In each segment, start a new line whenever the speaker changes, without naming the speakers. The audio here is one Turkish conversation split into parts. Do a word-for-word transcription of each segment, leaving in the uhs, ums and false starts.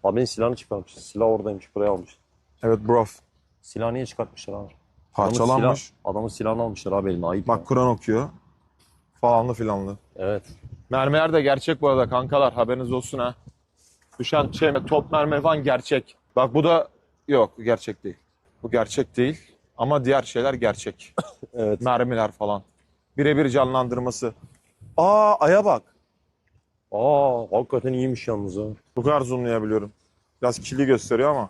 Abinin silahını çıkartmış. Silah oradaymış, buraya almış.
Evet bro.
Silahı niye çıkartmışlar abi? Adamın
Parçalanmış.
Silah, adamın silahını almışlar abi eline. Ayıp.
Bak
ya.
Kur'an okuyor. Falanlı filanlı.
Evet.
Mermiler de gerçek bu arada kankalar. Haberiniz olsun ha. Düşen şey top mermi falan gerçek. Bak bu da yok gerçek değil. Bu gerçek değil. Ama diğer şeyler gerçek.
Evet.
Mermiler falan. Birebir canlandırması. Aa aya bak.
Aa, hakikaten iyiymiş yalnız ha.
Bu kadar zoomlayabiliyorum. Biraz kirli gösteriyor ama.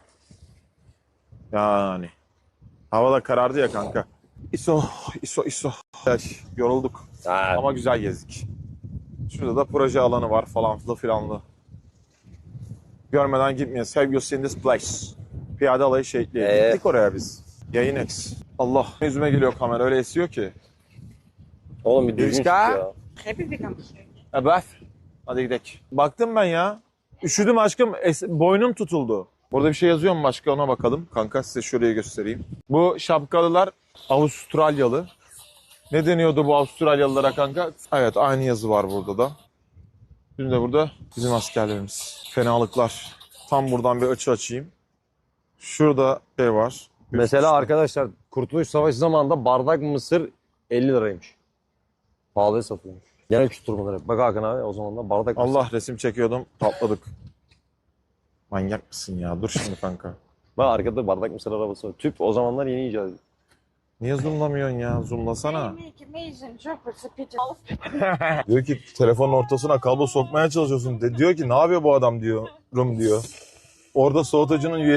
Yani. Hava da karardı ya kanka. İso, iso, iso. Ay, yorulduk
Ha.
ama güzel gezdik. Şurada da proje alanı var falan filanlı. Görmeden gitmeyiz. Have you seen this place? Piyade alayı şehitliği.
Ee?
Gittik oraya biz. Yayın X. Allah yüzüme geliyor kamera öyle esiyor ki.
Oğlum bir düzgün çık
Rüzgar.
ya.
Heb je vegan beschikbaar?
Evet. Hadi gidelim. Baktım ben ya. Üşüdüm aşkım. Es- boynum tutuldu. Burada bir şey yazıyor mu başka ona bakalım. Kanka size şurayı göstereyim. Bu şapkalılar Avustralyalı. Ne deniyordu bu Avustralyalılara kanka? Evet aynı yazı var burada da. Şimdi de burada bizim askerlerimiz. Fenalıklar. Tam buradan bir açı açayım. Şurada şey var.
Mesela arkadaşlar Kurtuluş Savaşı zamanında bardak mısır elli liraymış. Pahalıya satılmış. Genel kültür bunları. Bak Hakan abi o zaman da bardak mısır.
Allah resim çekiyordum patladık. Manyak mısın ya? Dur şimdi kanka.
Bak arkada bardak mısır arabası var. Tüp o zamanlar yeni icat edildi.
Niye zoomlamıyorsun ya? Zoomlasana.
Nee, ik mezen, jobbers, Pieter.
Diyor ki telefonun ortasına kablo sokmaya çalışıyorsun. De, diyor ki ne yapıyor bu adam diyor. Rum diyor. Orada soğutucunun